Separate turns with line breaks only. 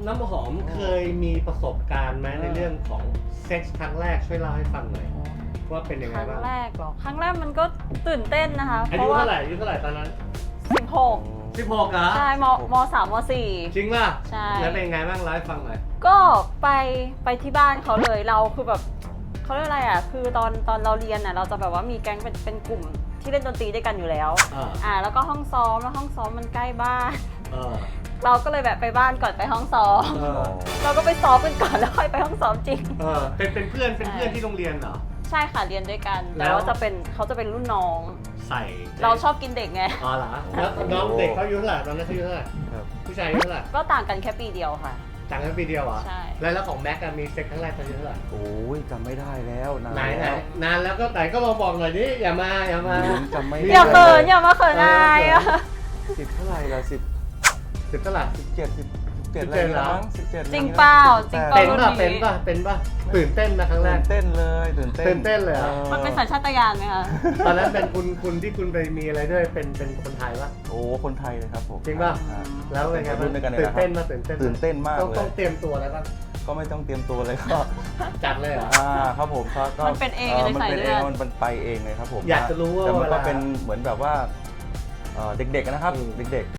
น้ำหอมเคยมีประสบการณ์ไหมในเรื่องของเซ็กส์ครั้งแรกช่วยเล่าให้ฟังหน่อยว่าเป็นยัง
ค
ไง
รั้ง
บ้าง
แรกเหรอครั้งแรกมันก็ตื่นเต้นนะคะ
อายุเท่าไหร่อายุเท่าไหร่ตอนนั้น
16
16เหรอ
ใช่ม3ม4
จริงป่ะ
ใช่
แล้วเป็นยังไงบ้างเล่าให้ฟังหน่อย
ก็ไปที่บ้านเขาเลยเราคือแบบเขาเรียกอะไรอ่ะคือตอนเราเรียนอ่ะเราจะแบบว่ามีแก๊งเป็นกลุ่มที่เล่นดนตรีด้วยกันอยู่แล้วแล้วก็ห้องซ้อมแล้วห้องซ้อมมันใกล้บ้าน เราก็เลยแบบไปบ้านก่อนไปห้องซ้อมเราก็ไปซ้อมกันก่อนแล้วค่อยไปห้องซ้อมจริง
เป็นเพื่อนที่โรงเรียนเหรอ
ใช่ค่ะเรียนด้วยกัน
แล้
แต่
ว
ว่าเขาจะเป็นรุ่นน้อง
ใส่
เราชอบกินเด็กไง
อ๋อเหรอแล้วน้องเด็กเขาอายุเท่าไหร่ตอนนั้นเขาอายุเท่าไหร่
ครับ
ผู้ชายอายุเท่าไหร่
ก็ต่างกันแค่ปีเดียวค่ะ
ต่างกันปีเดียวเหรอ
ใช่
แล้วของแม็กมีเซ็กครั้งแรกเขาอายุเท่าไหร่
โอ้ยจำไม่ได้แล้วนาน
ไหน
แล้ว
นานแล้วก็ไหนก็มาบอกหน่อยดิอย่ามา
ผมจำไม่ได้
อย่าเขินอย่ามาเขินอายอะ
สิบเท่าไหร่ละ10
10เท่าไหร่
17อะไรนะมั้ง17
จริงเปล่าจริงเปล่า
เป็นป่ะเป็นป่ะตื่นเต้นนะครั้งแร
ตื่
ก
นเต้นเลยตื่นเต้น
ตื่นเต้นเลยเหรอ
มันเป็นสัญชาตญาณไหมคะ
ตอนนั้นเป็นคุณที่คุณไปมีอะไรด้วยเป็นคนไทยป่ะ
โอ้คนไทยเลยครับผม
จริงป่ะ
อ่า
แล้วเป็นไง
รุ่นด้วยกันเลย
ตื่น
นะครับ
เต้นมาตื่นเต้น
ตื่นเต้นมาก
ต้อง
เล
ต้อง
ย
เตรียมตัวอะไรบ้าง
ก็ไม่ต้องเตรียมตัวเลยก็
จัดเลยเหรอ
ครับผมก็
มันเป็นเองเลย
มัน
ใส่
เป็น
เลื
เอ
อง ด
มันไปเองเลยครับผม
อยากจะรู้ว่า
แต่มัน
เว
ก็
ลา
เป็นเหมือนแบบว่าเด็กๆนะครับ
อืม
เด็ก